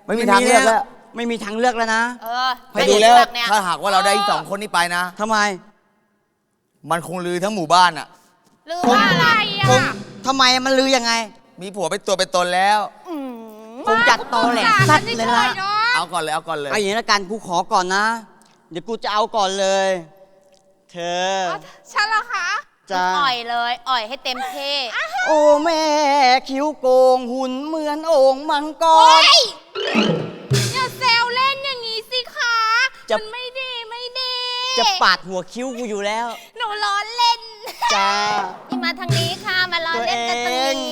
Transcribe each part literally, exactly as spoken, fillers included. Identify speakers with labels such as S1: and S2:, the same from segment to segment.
S1: ไม่มีทางเลือกแล้ว
S2: ไม่มีทางเลือกแล้วนะ
S3: เออ
S1: ไปดูแล้วถ้าหากว่าเราได้สองคนนี้ไปนะ
S2: ทำไม
S1: มันคงลือทั้งหมู่บ้านอะ
S3: ลือว่าอะไรอ่ะ
S2: ทำไมมันลือยังไง
S1: มีผัวเป็นตัวเป็นตนแล้ว
S2: คงจัดโตแหลกสัตว์เลยละ
S1: เอาก่อนเลยเอาก่อนเลย
S2: เอาอย่างนี้ละกันกูขอก่อนนะเดี๋ยวกูจะเอาก่อนเลยเธอ
S3: ฉันเหรอคะ
S2: จะ
S3: อ่อยเลยอ่อยให้เต็มที่
S2: โอ้แม่คิ้วโกงหุ่นเหมือนโอ่งมังกร
S3: อย่าแซวเล่นอย่างนี้สิคะมันไม่ดีไม่ดี
S2: จะปาดหัวคิ้วกูอยู่แล้ว
S3: หนูล้อเล่น
S2: จ้า
S3: นี่มาทางนี้ค่ะมาล้อเล่นกันตรงนี้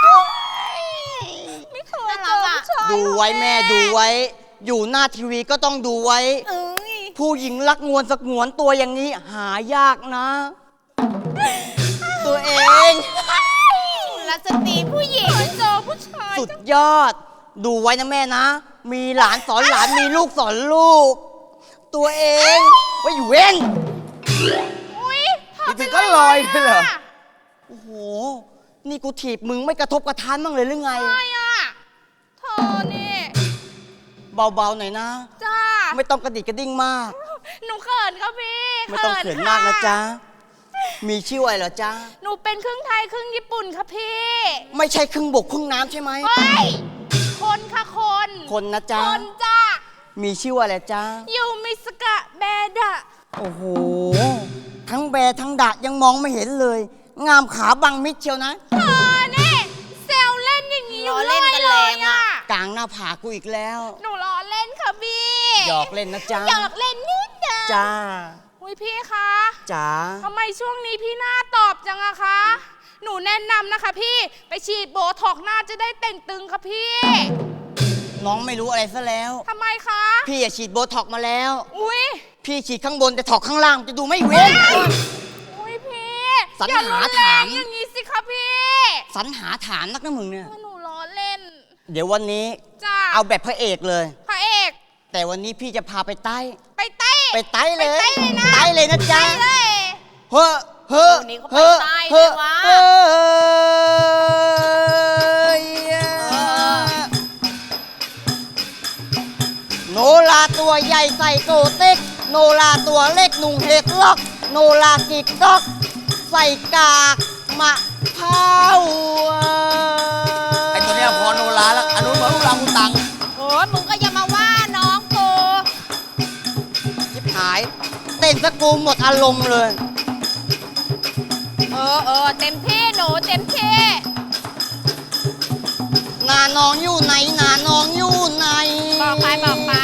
S3: ไม่เคยเจอ
S2: ดูไว้แม่ดูไว้อยู่หน้าทีวีก็ต้องดูไว้ผู้หญิงรักงวนสักงวนตัวอย่างนี้หายากนะตัวเอง
S3: รักสตรีผู้หญิงเจอผู้ชาย
S2: สุดยอดดูไว้นะแม่นะมีหลานสอนหลานมีลูกสอนลูกตัวเองว่าอยู่เว้น
S1: นี่ถึงก็ลอยเลยเหรอ
S2: โอ้โหนี่กูถีบมึงไม่กระทบกระทานบ้างเลยหรือไง
S3: ไม่อะเธอนี่
S2: เบาๆหน่อยนะ
S3: จ้า
S2: ไม่ต้องกระดิกกระดิ่งมาก
S3: หนูเขินครับพี่
S2: ไม่ต้องเขินมากนะจ๊ะมีชื่ออะไรเหรอจ๊ะ
S3: หนูเป็นครึ่งไทยครึ่งญี่ปุ่นค่ะพี่
S2: ไม่ใช่ครึ่งบกครึ่งน้ำใช่ไหม
S3: ไม่คนค่ะคน
S2: คนนะจ๊ะ
S3: คนจ้า
S2: มีชื่ออะไรจ๊ะ
S3: ยูมิสกะแบดะ
S2: โอ้โหทั้งแบทั้งดะยังมองไม่เห็นเลยงามขาบังมิดเชียวนะ
S3: เธอเนี่ยเซลเล่นอย่างนี้ล้อเล่นกันเลยอ่ะ
S2: กลางหน้าผากกูอีกแล้ว
S3: หนูล้อเล่นค่ะพี่
S2: หยอกเล่นนะจ๊ะ
S3: หยอกเล่นนิดเดียว
S2: จ้า
S3: อุ้ยพี่คะ
S2: จ๋า
S3: ทำไมช่วงนี้พี่หน้าตอบจังอะคะหนูแนะนำนะคะพี่ไปฉีดโบท็อกหน้าจะได้เต่งตึงค่ะพี่
S2: น้องไม่รู้อะไรซะแล้ว
S3: ทำไมคะ
S2: พี่อย่าฉีดโบท็อกมาแล้ว
S3: อุ้ย
S2: พี่ฉีดข้างบนแต่ถอกข้างล่างจะดูไม่เว้น
S3: อุ้ยพี่
S2: สรรหาถาม
S3: อย่างนี้สิคะพี่
S2: สรรหาถามนักนะมึงเนี่ย
S3: หนูล้อเล่น
S2: เดี๋ยววันนี้เอาแบบพระเอกเลย
S3: พระเอก
S2: แต่วันนี้พี่จะพาไปใต้
S3: ไปใต้
S2: ไปใต้เลย
S3: ใต้
S2: เลยนะจ๊ะ
S3: เฮ้อ
S2: เฮ้อเฮ้อเฮ้อเฮ้อโนราตัวใหญ่ใส่โกเต็กโนราตัวเล็กนุ่งเห็ดล็อกโนรากิกก๊อกใส่กากมะพร้าว
S1: ไอตัวเนี้ยพอโนราแล้วอนุเหมือนลูกรังกูตัง
S3: โอ้มึงก็อย่ามาว่าน้องกู
S2: ชิบหายเต้นสกูหมดอารมณ์เลย
S3: เออเออเต็มที่หนูเต็มที่
S2: นาน้องอยู่ไหนนาน้องอยู่ไหน
S3: บอกไปบอกไป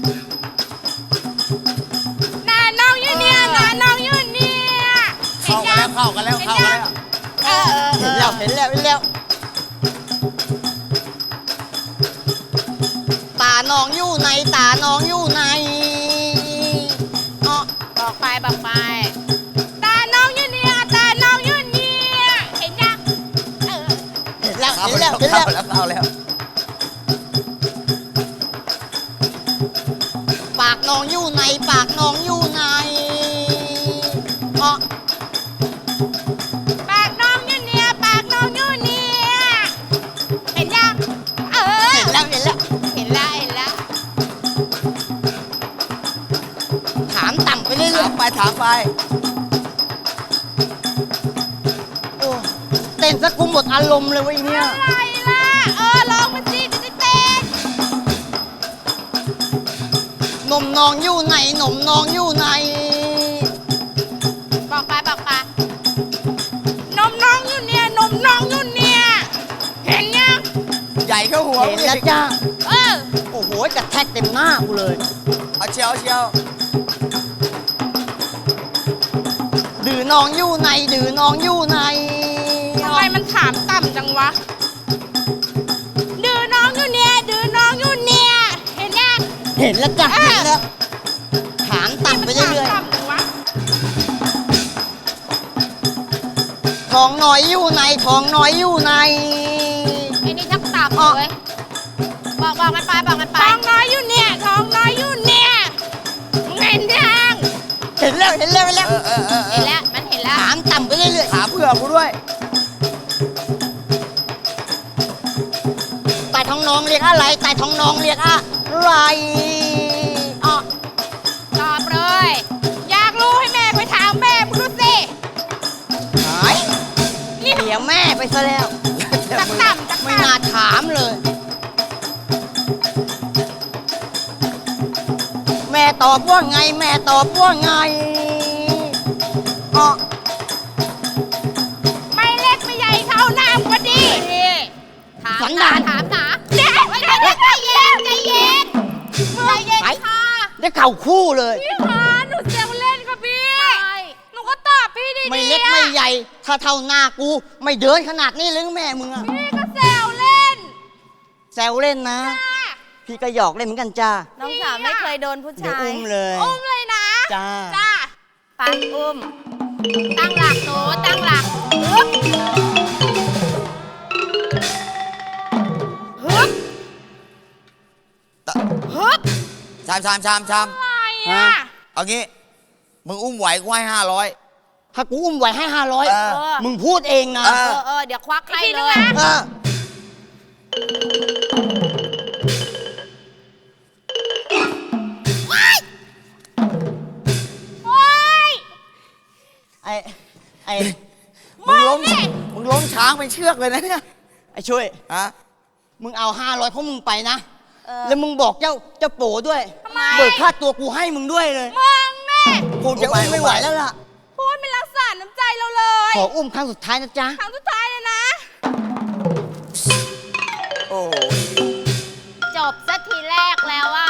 S3: นาน้องอยู่เนี่ยนาน้องอยู่เนี่ย
S1: เข้ากันแล้วเข้ากันแล้วเข้ากันแล้ว
S3: เออ
S2: เห็นแล้วเห็นแล้วเห็นแล้วตาน้องอยู่ไหนตาน้องอยู่ไหน
S3: อ๋อบอกไปบอกไปตาน้องอยู่เนี่ยตาน้องอยู่เนี่ยเห็นยังเออ
S2: เห็นแล้วเห็นแล้วเห็นแล้ว
S1: เข้าแล้ว
S2: ปากน้องอยู่ไหนปากน้องอยู่ไหนอ๋อ
S3: ปากน้องอยู่เนี่ยปากน้องอยู่เนี่ยเห็นยังเออ
S2: เห็นแล้วเห็นแล้ว
S3: เห็นแล้วเห็นแล้ว
S2: ถามต่ำไปเรื่อย
S1: ๆถามไปถามไป
S2: โอ้เต้นซะกูหมดอารมณ์เลยเว้ยเนี่ย
S3: อะไรล่ะเออลองมาสิจะได้เต้น
S2: นมน้องอยู่ไหนนมน้องอยู่ไหน
S3: บอกไปบอกไปนมน้องอยู่เนี่ยนมน้องอยู่เนี่ยเห็นยัง
S1: ใหญ่เข้าหัว
S2: เห็นแล้วจ้า
S3: เออ
S2: โอ้โหกระแทกเต็มหน้ากูเลย
S1: เอาเชียวเชียว
S2: ดื้อน้องอยู่ไหนดื้อน้องอยู่ไหน
S3: ทำไมมันถามต่ำจังวะดื้อน้องอยู่เนี่ยดื้อน้องอยู่เนี่ยเห็นยัง
S2: เห็นแล้วจ้ะเห็นแล้วถามต่ำไปเรื่อยๆทองน้อยอยู่ไหนทองน้อยอยู่ไหน
S3: ไอ้นี่ชักต่ำเลยบอกบอกมันไปบอกมันไปทองน้อยอยู่เนี่ยทองน้อยอยู่เนี่ยมึงเห็นยัง
S2: เห็นแล้วเห็นแล้วเห็นแล้ว
S3: เห็นแล้วมันเห็นแล้ว
S2: ถามต่ำไปเรื่อย
S1: ๆถามเผื่อกูด้วย
S2: แต่ทองน้อยองเรียกอะไรใต้ท้องน้องเรียกอะไรอ่ะ
S3: ตอบเลย อยากรู้ให้แม่ไปถามแม่มึงดูสิ
S2: หายเสียแม่ไปซะแล้ว
S3: ตักต่ำตัก
S2: ไม่
S3: ต่ำ
S2: น่าถามเลย แม่ตอบว่าไง แม่ตอบว่าไงอ่ะ
S3: ไม่เล็กไม่ใหญ่เท่าน้ำก็ดีถาม
S2: สัน
S3: ถา
S2: ดาม น
S3: ถามถามเด็กใจเย็นใจเย็นใจเย็นค่ะ
S2: ได้เข่าคู่เลย
S3: พี่คะหนูเซลเล่นค่ะพี่หนูก็ตอบพี่ดีๆ
S2: ไม่เล็กไม่ใหญ่ ถ้าเท่าหน้ากู ไม่เดินขนาดนี้เลยแม่มึงอะ
S3: พี่ก็แซวเล่น
S2: แซวเล่นนะ พี่ก็หยอกเล่นเหมือนกันจ้า
S4: น้องสาวไม่เคยโดนผู้
S2: เดี๋ยว
S4: ชาย
S2: อุ้มเลย
S3: อุ้มเลยนะ
S2: จ้า
S3: จ้า
S4: ปันอุ้ม
S3: ตั้งหลักหนูตั้งหลักฮึบฮึบ
S1: ตะ
S3: ฮึบ
S1: ชามชามชามชาม
S3: อะไรอ่ะ
S1: เอางี้ มึงอุ้มไหวกูให้ห้าร้อย
S2: ถ้ากูอุ้มไหวให้ห้าร้อย
S1: เออ
S2: มึงพูดเองนะ
S1: เอ
S3: เออเออเดี๋ยวควักให้เลย
S2: เออ
S3: โอ๊ย
S2: ไอ้ไอ้
S1: มึงล้ม
S3: มาดิ
S1: มึงล้มช้างเป็นเชือกเลยนะเนี่ย
S2: ไอ้ช่วย
S1: ฮะ
S2: มึงเอาห้าร้อยเพราะมึงไปนะ
S4: เออ
S2: แล้วมึงบอกเจ้าเจ้าโปด้วย
S3: ทำไม
S2: เบิกค่าตัวกูให้มึงด้วยเลย
S3: มึงแม่
S2: กูจะอุ้มไม่ไหวแล้วล่ะ
S3: พูดไม่รักษาน้ำใจเราเลย
S2: ขออุ้มครั้งสุดท้ายนะจ๊ะ
S3: ครั้งสุดท้ายเลยนะ
S1: โอ้โห
S3: จบสักทีแรกแล้วอ่ะ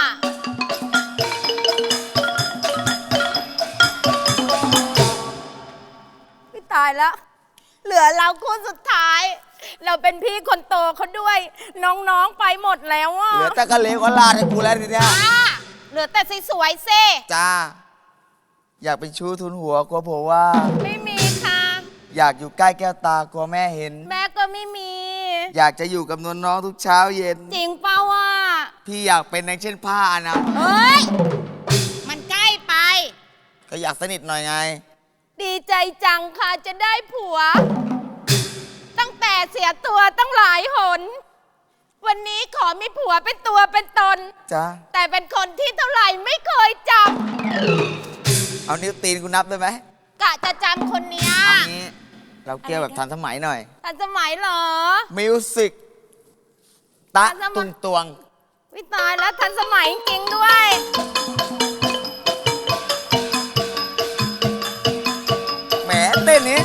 S4: พี่ตายแล้ว เหลือเราคู่สุดท้าย เราเป็นพี่คนโตเขาด้วย น้องๆไปหมดแล้วอ่ะ
S1: เหลือแต่กะเลก็ลาดให้กูแล้วทีเนี้ย
S3: จ้า เหลือแต่สวยๆเซ่
S1: จ้า อยากเป็นชู้ทุนหัวกลัวผมว่า
S3: ไม่มีค่ะ
S1: อยากอยู่ใกล้แก้วตากลัวแม่เห็น
S3: แม่ก็ไม่มี
S1: อยากจะอยู่กับนวลน้องทุกเช้าเย็น
S3: จริงเปล่าอ่ะ
S1: พี่อยากเป็นในเช่นผ้านะ
S3: เฮ้ย มันใกล้ไป
S1: ก็อยากสนิทหน่อยไง
S4: ดีใจจังค่ะจะได้ผัว ตั้งแต่เสียตัวตั้งหลายหน วันนี้ขอมีผัวเป็นตัวเป็นตน
S1: จ้า
S4: แต่เป็นคนที่เท่าไหร่ไม่เคยจ
S1: เอานิ้วตีนกูนับได้ไหม
S3: กะจะจำคนเนี้ย
S1: เอางี้ เราเกี่ยวแบบทันสมัยหน่อย
S4: ำทันสมัยเหรอ
S1: มิวสิกตะ
S4: ทันสมัย
S1: ตุงตวง
S4: วิตายแล้วทันสมัยจริงๆด้วย
S1: แหมเต้นนี้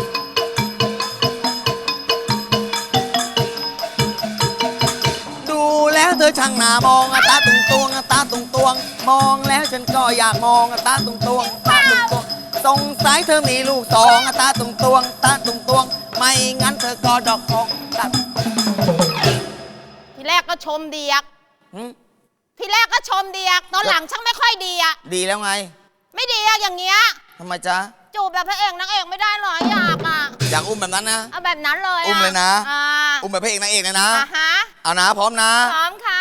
S1: ดูแล้วเธอช่างหน้ามองอะตาตุงตวงอะตาตุงตวง มองแล้วฉันก็อยากมองอะตาตุงตวงตาตุงตวงสงสัยเธอมีลูกสองอะตาตุงตวงตาตุงตวง ไม่งั้นเธอก็ดอกทองตา
S3: ทีแรกก็ชมเดียก
S1: หึ
S3: ทีแรกก็ชมเดียก ตอนหลังช่างไม่ค่อยดีอะ
S1: ดีแล้วไง
S3: ไม่ดีอะอย่างเงี้ย
S1: ทำไมจ๊ะ
S3: จูบแบบพระเอกนางเอกไม่ได้หรออยากอะ
S1: อยากอุ้มแบบนั้นนะ
S3: เอาแบบนั้นเลย
S1: อุ้มเลยนะ
S3: อ่า
S1: อุ้มแบบพระเอกนางเอกเลยนะ
S3: อ่าฮะ
S1: เอานะพร้อมนะ
S3: พร้อมค่ะ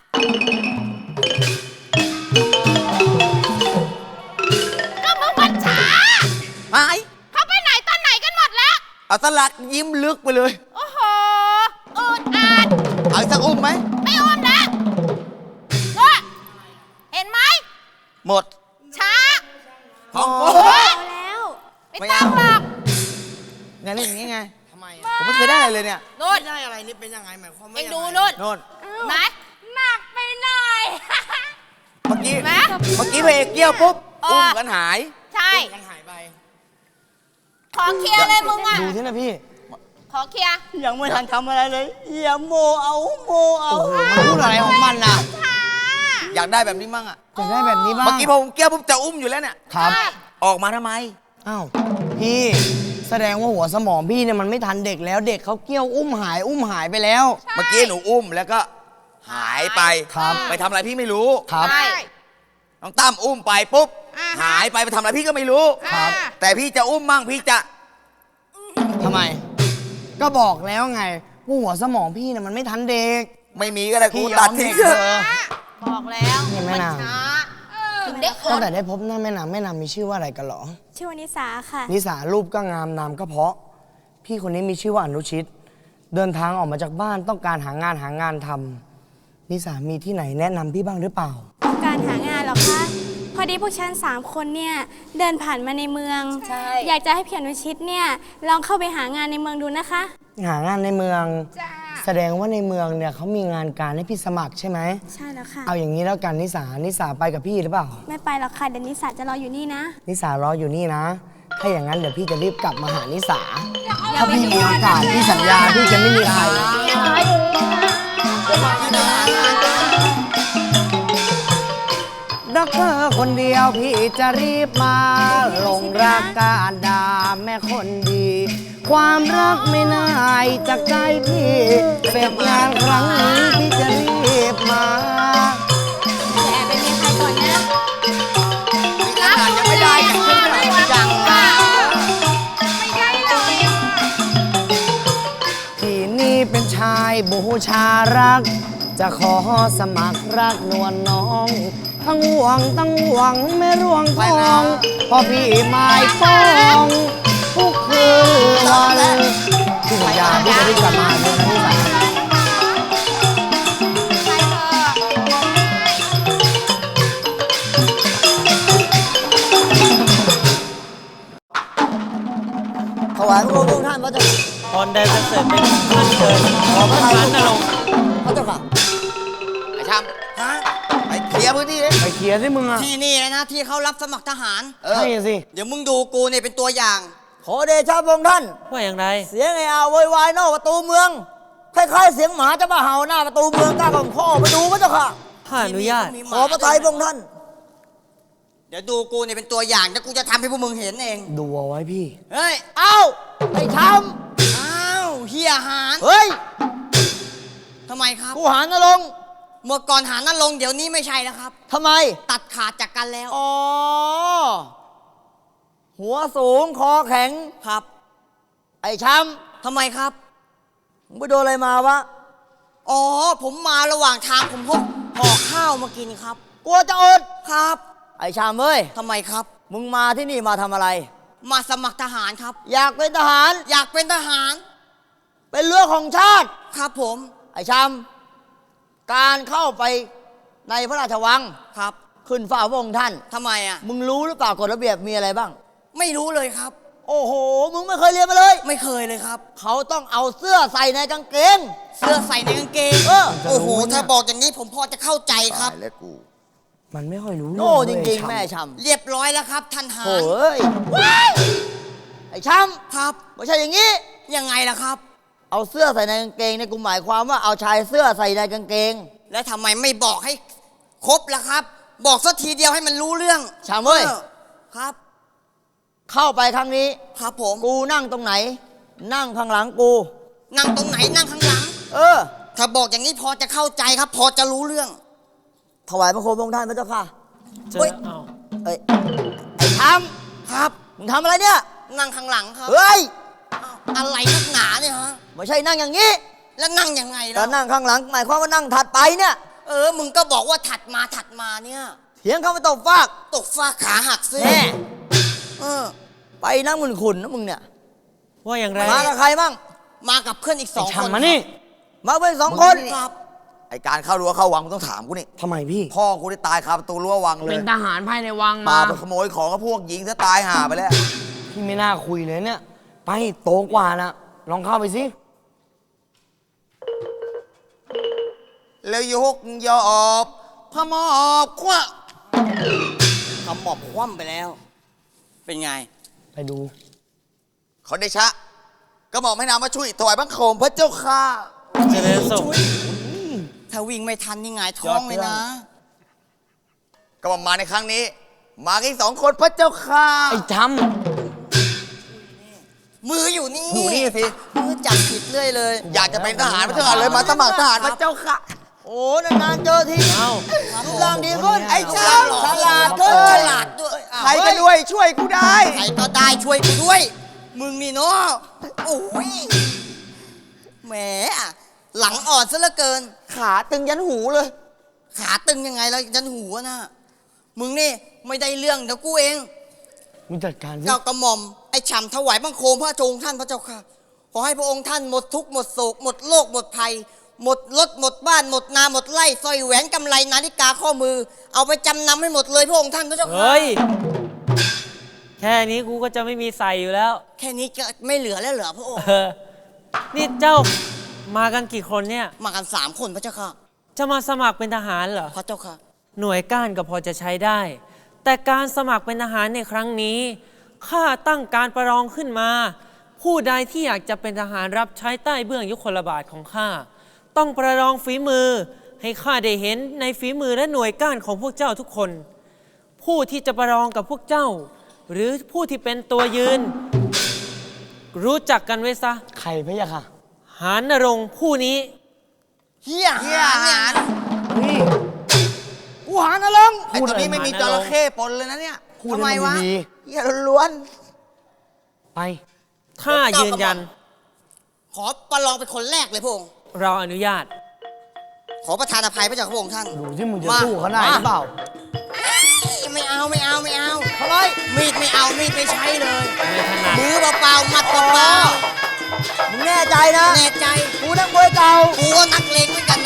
S3: ก็มึงมันช้า
S1: ไอ้
S3: เขาไปไหนตอนไหนกันหมดแล้ว
S1: เอาสลักยิ้มลึกไปเลย
S3: โอ้โหอืดอัด
S1: เอาอีกสักอุ้มไหม
S3: ไม่อ้อมแล้วก็เห็นไหม
S1: หมด
S3: ช้า
S1: ของ
S3: โอ้
S1: โอ้
S3: ย
S4: แล้ว
S3: ไม่ต้องหรอก
S1: ไงเล่นอย่างงี้ไง
S5: ทำไม
S1: ผมไม่เคยได้อะไรเลยเนี่ย
S3: นู่
S5: ไม่
S3: น
S5: ได้อะไรนี่เป็นยังไงหมายความว่า
S3: เอ็ง
S5: ยังไง
S3: ดูนู่น
S1: โน่น
S3: ไหมหนักไปหน่อย
S1: เมื่อกี้
S3: เห็นไหม
S1: เมื่อกี้พระเอกเกี้ยวปุ๊บ
S3: เออ
S1: อุ้มกันหาย
S3: ใช่
S5: มันหายไป
S3: ขอเคลียร์เลยมึงอ่ะ
S2: ดูที่นะพี่
S3: ขอเคลียร์
S2: ยังไม่ทันทำอะไรเลยอย่าโมเอาโมเอา
S5: โอ้โหมันพูดอะไรของมันน่ะ
S3: ช้า
S1: อยากได้แบบนี้มั่งอ่ะ
S5: อยากได้แบบนี้บ้าง
S1: เมื่อกี้พอผมเกี้ยวปุ๊บจะอุ้มอยู่แล้วเนี่ย
S5: ครับ
S1: ออกมาทำไม
S5: อ้าวพี่แสดงว่าหัวสมองพี่เนี่ยมันไม่ทันเด็กแล้วเด็กเขาเกี้ยวอุ้มหายอุ้มหายไปแล้ว
S1: เมื่อกี้หนูอุ้มแล้วก็หายไป
S5: ครับ
S1: ไปทำอะไรพี่ไม่รู้
S5: ครับ
S3: ใช่
S1: น้องตั้มอุ้มไปปุ๊บ
S3: อ่าฮะ
S1: หายไปไปทำอะไรพี่ก็ไม่รู้
S3: ครับ
S1: แต่พี่จะอุ้มมั่งพี่จะ
S5: ทำไม ก็บอกแล้วไงว่าหัวสมองพี่เนี่ยมันไม่ทันเด็ก
S1: ไม่มีก็ได้กู
S5: พี่ย
S1: ตั
S5: อ
S1: ด
S5: ม
S1: ทิ้
S5: เด็
S1: ง
S5: กเธอ
S3: บอกแล้ว
S5: นี่แม่
S3: มัน
S5: นาง
S3: ช้าถึงได้อ
S5: ตั้ง
S3: ด
S5: แต่ได้พบหน้าแม่นางแม่นางมีชื่อว่าอะไรกันเหรอ
S6: ชื่อวานิสาค่ะ
S5: นิสารูปก็งามนามก็เพราะ พี่คนนี้มีชื่อว่าอนุชิตเดินทางออกมาจากบ้านต้องการหางานหางานทำนิสามีที่ไหนแนะนำพี่บ้างหรือเปล่า
S6: การหางานเหรอคะ พอดีพวกฉันสามคนเนี่ยเดินผ่านมาในเมือง
S4: ใช่
S6: อยากจะให้พี่อนุชิตเนี่ยลองเข้าไปหางานในเมืองดูนะคะ
S5: หางานในเมือง
S4: จ้า
S5: แสดงว่าในเมืองเนี่ยเขามีงานการให้พี่สมัครใช่ไหม
S6: ใช่แล้วค่ะ
S5: เอาอย่างนี้แล้วกันนิสานิสาไปกับพี่หรือเปล่า
S6: ไม่ไปหรอกค่ะเดี๋ยวนิสาจะรออยู่นี่นะ
S5: นิสารออยู่นี่นะ ถ้าอย่างนั้นเดี๋ยวพี่จะรีบกลับมาหานิสา ถ้าพี่มีโอกาสพี่สัญญาพี่จะไม่มีใคร รักเธอคนเดียวพี่จะรีบมาหลงรักการดาแม่คนดี ความรักไม่น่ายจากใจพี่เสร็จงานครั้งนี้พี่จะรีบมา
S6: แต่เป็นมีใครก่อนนะ
S1: ขนาดยังไม่ได้อย่างที่ไม่ยัง
S5: พี่นี่เป็นชายบูชารัก จะขอสมัครรักนวลน้อง ทั้งห่วงทั้งหวังไม่ร่วงทองพอพี่หมายปองทุกคืนวันพี่สัญญาพี่จะรีบกลับมาเลยนะพี่สายถวายพระองค์ท่านพระเจ้า
S7: ตอนใดจะเสร็จเป็นขึ้นเดินขอพระทานนรงค์
S5: พระเจ้าค่ะ
S1: ไอ้ชำฮะไปเคลียร์พื้นที่ดิ
S5: ไปเคลียร์สิมึงอ่ะ
S2: ที่นี่นะที่เขารับสมัครทหาร
S1: เออ
S5: ใช่สิ
S2: เดี๋ยวมึงดูกูเนี่ยเป็นตัวอย่าง
S5: ขอเดชะพระองค์ท่าน
S7: ว่าอย่างไร
S5: เสียงไอ้อาโวยวายนอกประตูเมืองคล้ายๆเสียงหมาจะมาเห่าหน้าประตูเมืองกล้าของพ่อไปดูพระเจ้าค่ะ
S7: ข้าอนุญาต
S5: ขอพระทัยพระองค์ท่าน
S2: เดี๋ยวดูกูเนี่ยเป็นตัวอย่างแล้วกูจะทำให้พวกมึงเห็นเอง
S5: ดูเอาไว้พี่
S2: เฮ้ย
S5: เอ้าไอ้ช้
S2: อ้าวเฮียหาร
S5: ำเฮ้ย
S2: ทำไมครับ
S5: กูหานลงค์
S2: เมื่อก่อนหารนั่นลงค์เดี๋ยวนี้ไม่ใช่แล้วครับ
S5: ทำไม
S2: ตัดขาดจากกันแล้ว
S5: อ๋อ หัวสูงคอแข็ง
S2: ครับ
S5: ไอ้ช้
S2: ทำไมครับ
S5: ำมึงไปโดนอะไรมาวะ
S2: อ๋อผมมาระหว่างทางผมพกห่อข้าวมากินครับ
S5: กลัวจะอด
S2: ครับ
S5: ไอ้ชามเอ้ย
S2: ทำไมครับ
S5: มึงมาที่นี่มาทำอะไร
S2: มาสมัครทหารครับ
S5: อยากเป็นทหาร
S2: อยากเป็นทหาร
S5: เป็นเรือของชาติ
S2: ครับผม
S5: ไอ้ชามการเข้าไปในพระราชวัง
S2: ครับ
S5: ขึ้นฝ่าพระองค์ท่าน
S2: ทำไมอ่ะ
S5: มึงรู้หรือเปล่ากฎระเบียบมีอะไรบ้าง
S2: ไม่รู้เลยครับ
S5: โอ้โห มึงไม่เคยเรียนมาเลย
S2: ไม่เคยเลยครับ
S5: เขาต้องเอาเสื้อใส่ในกางเกง
S2: เสื้อใส่ในกางเกง
S5: เออ
S2: โอ้โห ถ้าบอกอย่างนี้ผมพอจะเข้าใจครับ
S5: มันไม่ค่อยรู้
S2: โง่
S5: เรื่อง
S2: จริง
S5: เลย
S2: ๆ แม่ชำเรียบร้อยแล้วครับ ท่านหา
S5: โอ้
S2: ร
S5: ยไอ้ช้
S2: ครับ
S5: ำไม่ใช่อย่างนี้
S2: ยังไงล่ะครับ
S5: เอาเสื้อใส่ในกางเกงในยกูหมายความว่าเอาชายเสื้อใส่ในกางเกง
S2: แล้วทำไมไม่บอกให้ครบล่ะครับ บอกสักทีเดียวให้มันรู้เรื่อง
S5: ชามเว้ย
S2: ออครับ
S5: เข้าไปครั้งนี้
S2: ครับผม
S5: กูนั่งตรงไหน นั่งข้างหลังกู
S2: นั่งตรงไหนนั่งข้างหลัง
S5: เออ
S2: ถ้าบอกอย่างนี้พอจะเข้าใจครับ พอจะรู้เรื่อง
S5: ถวายพระโคมพระองค์ท่านพระเจ้าค่ะ
S7: เจ
S2: เฮ้
S7: อย เอา
S5: เอ้ยไอ้ช้
S2: ครับ
S5: ำมึงทำอะไรเนี่ย
S2: นั่งข้างหลังครับ
S5: เฮ้ย
S2: อ้าวอะไรนักหนาเนี่ยฮะ
S5: ไม่ใช่นั่งอย่างนี้
S2: แล้วนั่งยังไง
S5: แต่
S2: ล่ะ
S5: นั่งข้างหลัง หมายความว่านั่งถัดไปเนี่ย
S2: เออ มึงก็บอกว่าถัดมาถัดมาเนี่ย
S5: เถียงเขาไปตบฟาก
S2: ตกฟ้าขาหักซิ
S5: แน่
S2: เออ
S5: ไปนั่งมึนขุนนะมึงเนี่ย
S7: ว่าอย่างไร
S5: มากับใครมั่ง
S2: มากับเพื่อนอีกสองคน
S5: มานี่ มาเป็นสองคน
S2: ครับ
S1: ไอการเข้ารั้วเข้าวังมึงต้องถามกูนี่
S5: ทำไมพี่
S1: พ่อกูได้ตายคาประตูรั้ววังเลย
S8: เป็นทหารภายในวัง
S1: มา
S8: มา
S1: ไปขโมยของกับพวกหญิงซะตายห่าไปแล้ว
S5: พี่ไม่น่าคุยเลยเนี่ย ไปโตกว่านะลองเข้าไปสิ
S1: แล้วยกยอบพมอบคว้า
S2: ขมอบคว่ำไปแล้ว เป็นไง
S5: ไปดู
S1: ขอเดชะก็บอกให้นำมาช่วยถวายบังคมพระเจ้าค่ะ
S7: เจริญสุข
S2: ถ้าวิ่งไม่ทันนี่หงายท้องเลยนะ
S1: ก็บอกมาในครั้งนี้ มากันอีกสองคนพระเจ้าค่ะ
S5: ไอ้ช้
S2: มืออยู่นี่
S1: อยู่นี่สิ
S2: มือจับผิดเรื่อยเลย
S1: อยากจะเป็นทหารพระเจ้าค่ะเลยมาสมัครทหารพระเจ้าค่ะ
S5: ำโอ้นานๆเจอที
S7: เอา
S5: รูปร่างดีขึ้น
S1: ไอ้
S2: ฉ
S1: ช้าง
S2: ฉลาดขึ้นฉลาดด้วยอ้าว
S1: ใครก็ด้วยช่วยกูได้
S2: ใครก็ได้ช่วยกูด้วย มึงนี่เนาะโอ้ยแหมหลังอ่อนซะเหลือเกิน
S5: ขาตึงยันหูเลย
S2: ขาตึงยังไงแล้วยันหัวนะมึงนี่ไม่ได้เรื่องเดี๋ยวกูเอง
S5: มึงจัดการสิ
S2: เจ้ากระหม่อมไอ้ฉ่ำถวายบังคมพระโจงท่านพระเจ้าค่ะขอให้พระองค์ท่านหมดทุกข์หมดโศกหมดโรคหมดภัย หมดรถหมดบ้านหมดนาหมดไร่สร้อยแหวนกำไลนาฬิกาข้อมือ เอาไปจำนำให้หมดเลยพระองค์ท่านพระเจ้าค่ะ
S7: เฮ้ย แค่นี้กูก็จะไม่มีใส่อยู่แล้ว
S2: แค่นี้ก็ไม่เหลือแล้วเหรอพระองค์
S7: เออ นี่เจ้ามากันกี่คนเนี่ย
S2: มากันสามคนพระเจ้าค่ะ
S7: จะมาสมัครเป็นทหารเหรอ
S2: พระเจ้าค่ะ
S7: หน่วยก้านก็พอจะใช้ได้ แต่การสมัครเป็นทหารในครั้งนี้ข้าตั้งการประลองขึ้นมา ผู้ใดที่อยากจะเป็นทหารรับใช้ใต้เบื้องยุคลบาทของข้าต้องประลองฝีมือ ให้ข้าได้เห็นในฝีมือและหน่วยก้านของพวกเจ้าทุกคน ผู้ที่จะประลองกับพวกเจ้า หรือผู้ที่เป็นตัวยืน รู้จักกันไว้ซะ
S5: ใครพะยะค่ะ
S7: หารนรงค์ผู้นี้
S2: เฮีย
S1: เฮีย
S2: หา
S1: หาร
S5: นี่
S2: กูหานะลง
S1: ไอ้ตัวนี้ไม่มีจระเข้ปนเลยนะเนี่ย
S5: พูด
S1: ทำไม
S5: ให้
S1: วะ
S5: มันดี
S2: เฮียล้วน
S5: ๆไป
S7: ข้ายืนยัน
S2: ๆขอประลองเป็นคนแรกเลยพระองค์
S7: เราอนุญาต
S2: ขอประทานอภัยพระเจ้าค่ะพระองค์ท่าน
S5: ดูที่มึงจะ
S2: มา
S5: สู้เขาได้หรือเปล่า
S2: ไม่เอาไม่เอาไม่เอาทำไมมีดไม่เอามีดไม่ใช้เลย
S7: ไม่ถนัด
S2: มือเปล่าๆมัดเปล่า
S5: มึงแน่ใจนะ
S2: ๆแน่ใจ
S5: กูนักมวยเก่า
S2: กูก็นักเลงเหมือนกันนะ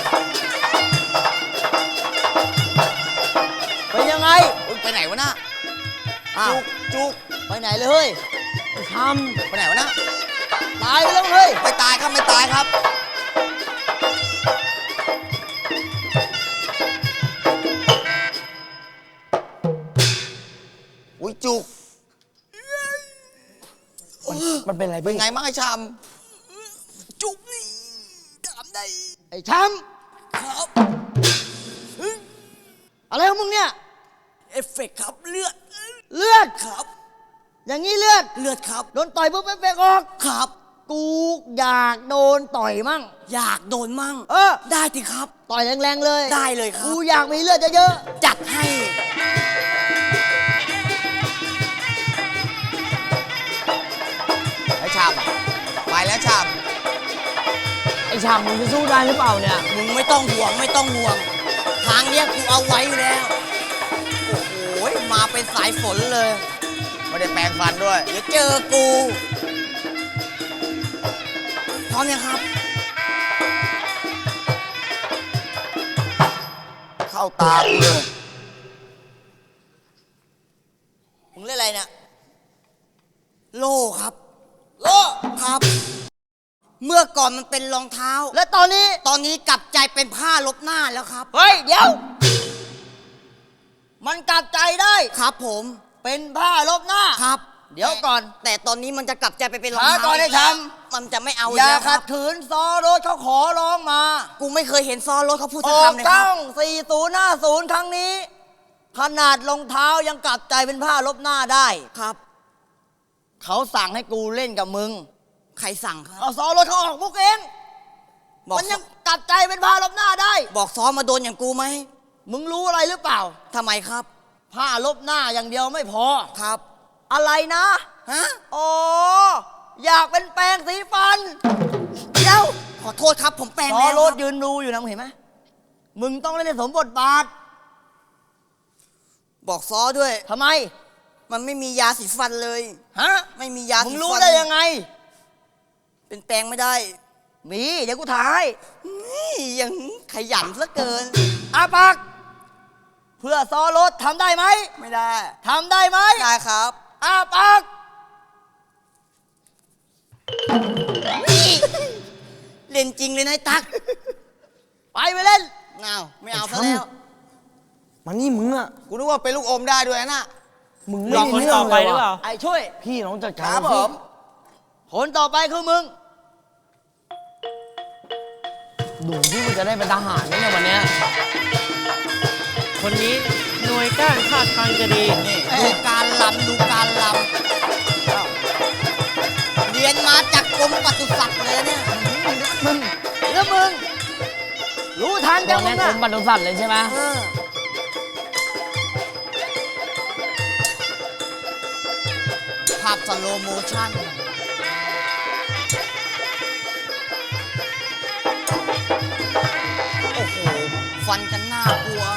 S5: เป็นยังไง
S1: อุ๊ยไปไหนวะน่ะ
S5: อ้าว
S1: จุกจุก
S5: ไปไหนเลยเฮ้ยท
S1: ไปไหนวะน่ะ
S5: ำตายไปแล้วเฮ้ย
S1: ไม่ตายครับไม่ตายครับ อุ้ยจุก
S5: มันเป็นอะไร
S1: เป็น
S5: พี่
S1: ไงบ้างไอ้ชามจุกนี่ถามได้
S5: ไอ้ช้
S1: ครับ
S5: ำอะไรของมึงเนี่ย
S1: เอฟเฟกต์ครับเลือด
S5: เลือด
S1: ครับ
S5: อย่างนี้เลือด
S1: เลือดครับ
S5: โดนต่อยปุ๊บเอฟเฟกต์ออก
S1: ครับ
S5: กูอยากโดนต่อยมั่ง
S1: อยากโดนมั่ง
S5: เออ
S1: ได้สิครับ
S5: ต่อยแรงๆเลย
S1: ได้เลยครับ
S5: กูอยากมีเลือดเยอะ
S1: จัดให้ ไอ้ชามอะไปแล้วชาม
S5: ๆไอ้ชามมึงจะสู้ได้หรือเปล่าเนี่ย
S2: มึงไม่ต้องห่วงไม่ต้องห่วง ทางเนี้ยกูเอาไว้อยู่แล้ว โอ้โหมาเป็นสายฝนเลย
S1: ไม่ได้แปรงฟันด้วย
S2: เดี๋ยวเจอกูพร้อมยังครับ
S1: เข้าตากูเลย
S2: มึงเล่นอะไรเนี่ย โล่ครับ โล่ ครับ เมื่อก่อนมันเป็นรองเท้า
S5: และตอนนี้
S2: ตอนนี้กลับใจเป็นผ้าลบหน้าแล้วครับ
S5: เฮ้ย เดี๋ยว มันกลับใจได้
S2: ครับผม
S5: เป็นผ้าลบหน้า
S2: ครับ
S5: เดี๋ยวก่อน
S2: แต่ตอนนี้มันจะกลับใจไปเป็นรอง
S5: ช้า
S2: เท้า
S5: ก่อนไอ้
S2: กแล้ว
S5: ช้
S2: มันจะไม่เอา
S5: อ
S2: อีก
S5: ย่า
S2: แล้วค
S5: ขั
S2: รั
S5: ด
S2: บ
S5: ขืนซอรถเขาขอร้องมา
S2: กูไม่เคยเห็นซอรถเขาพูด
S5: อ
S2: สัก
S5: อก
S2: คำเลยครั
S5: ตั้
S2: บ
S5: งสี่ศูนย์ห้าศูนย์ครั้งนี้ ขนาดรองเท้ายังกลับใจเป็นผ้าลบหน้าได้
S2: ครับ
S5: เขาสั่งให้กูเล่นกับมึง
S2: ใครสั่งครับ
S5: เอาซอรถเขาออกมุกเอง
S2: บอก
S5: มันยังกลับใจเป็นผ้าลบหน้าได้
S2: บอกซ้อมมาโดนอย่างกูไหม
S5: มึงรู้อะไรหรือเปล่า
S2: ทำไมครับ
S5: ผ้าลบหน้าอย่างเดียวไม่พอ
S2: ครับ
S5: อะไรนะ
S2: ฮะ
S5: อ๋อ อยากเป็นแปรงสีฟัน
S2: เดี๋ยว ขอโทษครับ ผมแปลง
S5: ซอ
S2: แล้ว
S5: รถ
S2: ครับ
S5: ยืนดูอยู่นะมึงเห็นไหม มึงต้องเล่นในสมบทบาท
S2: บอกซ้อด้วย
S5: ทำไม
S2: มันไม่มียาสีฟันเลย
S5: ฮะ
S2: ไม่มียา
S5: มึ
S2: สี
S5: ง
S2: ฟัน
S5: รู้ได้ยังไง
S2: เป็นแปลงไม่ได้
S5: มี เดี๋ยวกูถ่าย
S2: นี่ยังขยันเหลือเกิน
S5: อาปาก เพื่อซอรถทำได้ไหม
S2: ไม่ได้
S5: ทำได้ไหม
S2: ได้ครับ
S5: อาปาก
S2: เล่นจริงเลยนายตัก
S5: ไปไปเล่น
S2: เอาไม่เอา
S5: ไอ้
S2: ซะ
S5: ช้ำ
S2: แล้ว
S5: มันนี่มึงอะ
S1: กูนึกว่าเป็นลูกอมได้ด้วยนะ
S5: มึง
S7: รอคนต่อไปหรือเปล่า
S5: ไอ้ช่วย พี่น้องจัด
S1: ค
S5: การ
S1: รับ
S5: สิ
S1: ผม
S5: คนต่อไปคือมึง ดูที่มึงจะได้เป็นทหารไหมเนี่ยวันเนี้ย
S7: คนนี้หน่วยก้านท่าทางจะดี
S2: ดูการลำดูการลำเรียนมาจากกรมปศุสัตว์เลยเนี่ย
S5: มึงแล้วมึง รู้ทางจังมึงอะ
S8: ผมบรรลุสัตว์เลยใช่ไหม
S2: เออภาพสโลโมชั่น โอ้โห ฟันกันน่ากลัว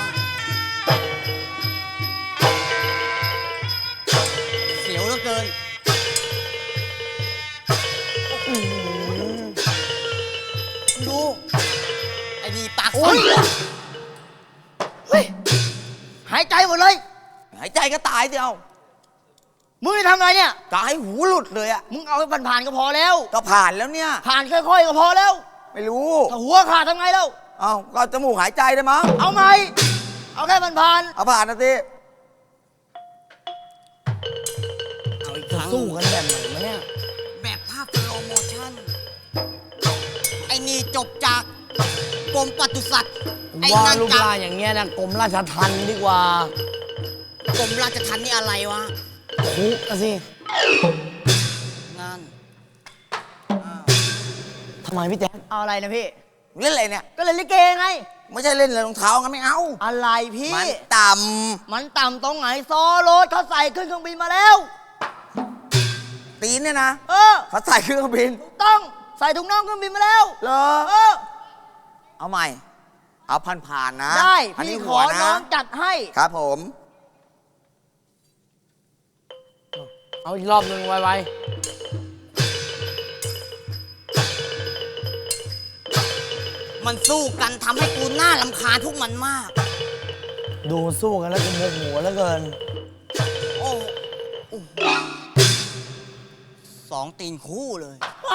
S2: เสียวเหลือเกิน
S5: อื
S2: โอ้ยเฮ้ยหายใจหมดเลย
S1: หายใจก็ตายเดียว
S2: มึงจะทำอะไรเนี่ย
S1: ตายหูหลุดเลยอะ
S2: มึงเอาไปผ่านๆก็พอแล้ว
S1: ก็ผ่านแล้วเนี่ย
S2: ผ่านค่อยๆก็พอแล้ว
S1: ไม่รู้
S2: ถ้าหัวขาดทำไงแล้ว
S1: เอาก็จมูกหายใจได้มั้ง
S2: เอาไหมเอาแค่ผ่าน
S1: เอาผ่านนะสิ
S2: ๆเอาอีกครั้ง
S5: สู้กันแบบไหนวะเนี่ย
S2: แบบภาพสโลโมชั่น ไอ้นี่จบจากกรมปศุสัตว์ ไอ้
S5: ว่า
S2: นั่น
S5: รูป
S2: จาก
S5: ร่างอย่างเงี้ยนะกรมราชทัณฑ์ดีกว่าก
S2: รมราชทัณฑ์นี่อะไรวะ
S5: คุกอะสิ
S2: นั่น
S5: ทำไมพี่แจ๊ค
S2: เอาอะไรนะพี่
S1: เล่นอะไรเนี่ย
S2: ก็เลยลิเกไง
S1: ไม่ใช่เล่นเลยรองเท้างั้นไม่เอา
S2: อะไรพี่
S1: มันต่
S2: มันต่ำตรงไหนซอโรถเขาใส่ขึ้นเครื่องบินมาแล้ว
S1: ำตีนเนี่ยนะ
S2: เออ
S1: เขาใส่เครื่องบิน
S2: ต้องใส่ถุงน่องเครื่องบินมาแล้ว
S1: เหรอ
S2: เออ
S1: เอาใหม่ เอาผ่านผ่านๆนะ
S2: ได้
S1: อัน
S2: พี่
S1: นี้
S2: ข
S1: หั
S2: อ
S1: ว
S2: น้
S1: นะ
S2: องจัดให้
S1: ครับผม
S5: เอาอีกรอบหนึ่งไว
S2: มันสู้กันทำให้กูหน้าลำคาญพวกมันมาก
S5: ๆดูสู้กันแล้วก็โมโหแล้วเกิน
S2: โอ้โอ้โหสองตีนคู่เลย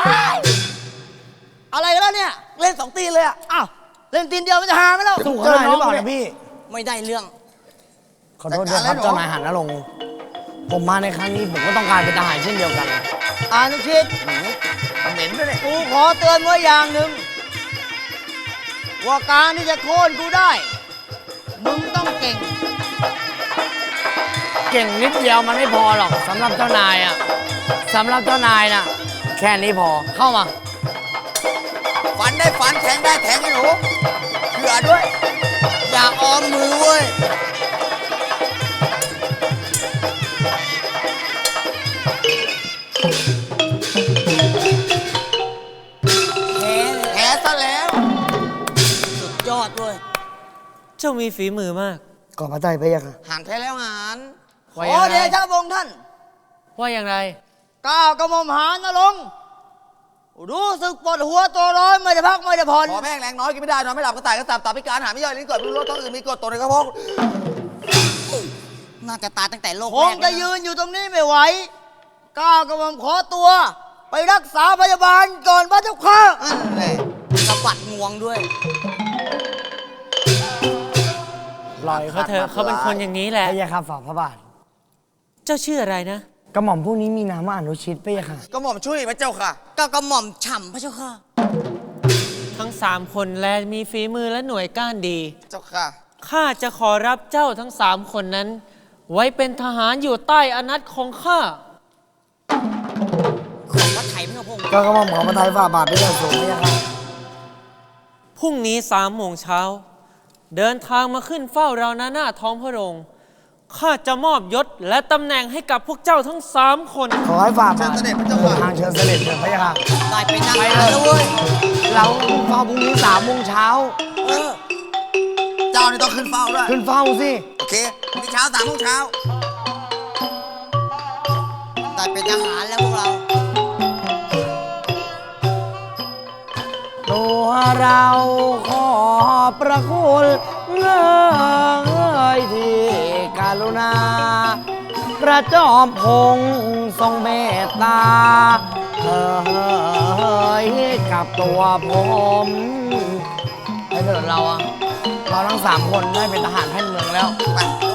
S2: อะไรกันแล้วเนี่ย
S1: เล่นสองตีนเลยอะ
S2: อ้าวเล่นตีนเดียวมันจะหาไหมแล้ว
S5: สู้เขาได้หรือเปล่าเนี่ยพี่
S2: ไม่ได้เรื่อง
S5: ขอโทษด้วยครับเจ้านายหันนรงค์ผมมาในครั้งนี้ผมก็ต้องการเป็นทหารเช่นเดียวกัน
S2: อานุชิต
S1: เหม็นด้วยเนี่ย
S2: กูขอเตือนไว้อย่างหนึ่งว่าการที่จะโค่นกูได้ มึงต้องเก่ง
S5: เก่งนิดเดียวมันไม่พอหรอกสำหรับเจ้านายอ่ะสำหรับเจ้านายน่ะ แค่นี้พอเข้ามา
S1: ฟันได้ฟันแทงได้แทงไอ้หนูเผื่อด้วย
S2: อย่าออมมือเว้ย แพ้เลย
S1: แพ้ซะแล้ว
S2: สุดยอดเว้ย
S7: เจ้ามีฝีมือมาก
S5: ก่อนพระใจพระยาค่ะ
S1: หันแพ้แล้วหัน
S2: ข
S7: ว่า
S2: อ
S7: อย่าง
S2: เด
S7: ไร
S2: ชะพระองค์ท่าน
S7: ว่าอย่างไร
S2: ก้าวกระหม่อมหานรงค์รู้สึกปวดหัวตัวร้อนไม่ได้พักไม่ได้ผ่อน
S1: ขอแม่งแรงน้อยกินไม่ได้นอนไม่หลับก็ตายก็ตับตับพิการหาไม่ย่อยลิ้นกดรู้รสท้องอื่นมีกรดตัวในกระเพาะ
S2: น่าจะตายตั้งแต่โลก
S8: ค
S2: แรง ก
S8: จะยืนอยู่ตรงนี้ไม่ไหวก้าวกระหม่อมขอตัว ไปรักษาพยาบาลก่อนพระเจ้าค่ะ
S2: นั่นแหละสะบัดงวงด้วย
S7: ปล่อยเขาเถอะเขาเป็นคนอย่างนี้แห
S5: พ
S7: ละ
S5: ระยาค่ะฝ่าพระบาท
S7: เจ้าชื่ออะไรนะ
S5: กระหม่อมผู้นี้มีนามว่าอนุชิตพระยาค่ะ
S1: ก็หม่อมช่วยพระเจ้าค่ะ
S2: ก้าวกระหม่อมฉ่ำพระเจ้าค่ะ
S7: ทั้งสามคนแลมีฝีมือและหน่วยก้านดี
S1: เจ้าค่ะ
S7: ข้าจะขอรับเจ้าทั้งสามคนนั้น ไว้เป็นทหารอยู่ใต้อานัตของข้า
S2: ขอพระไถ่พระพงศ์
S5: ก็กระหม่อมขอพระทัยฝ่าบาทพระยาสูงพระยาค่ะ
S7: พรุ่งนี้สามโมงเช้า เดินทางมาขึ้นเฝ้าเราหน้าหน้าท้องพระโรงข้าจะมอบยศและตำแหน่งให้กับพวกเจ้าทั้งสามคน
S5: ขอให้ฝ่าบาท
S1: เชิญเสด็จพระเจ้าค่ะ
S5: ทางเชิญเสด็จเถิดพระยาค่ะ
S2: ได้ไปนั่งแล้วเว้ย
S5: เราเฝ้าพรุ่งนี้สามโมงเช้า
S2: เออ
S1: เจ้านี่ต้องขึ้นเฝ้าด้วย
S5: ขึ้นเฝ้าสิ
S1: โอเคพรุ่งนี้เช้าสามโมงเช้า
S2: ได้เป็นทหารแล้วพวกเรา
S5: ตัวเราขอประคุณเงยที่กรุณา พระจอมพงษ์ทรงเมตตาเอ่ยกับตัวผมไอ้เถิดเราอะเราทั้งสามคนได้เป็นทหารแผ่นเมืองแล้ว
S1: ไปดู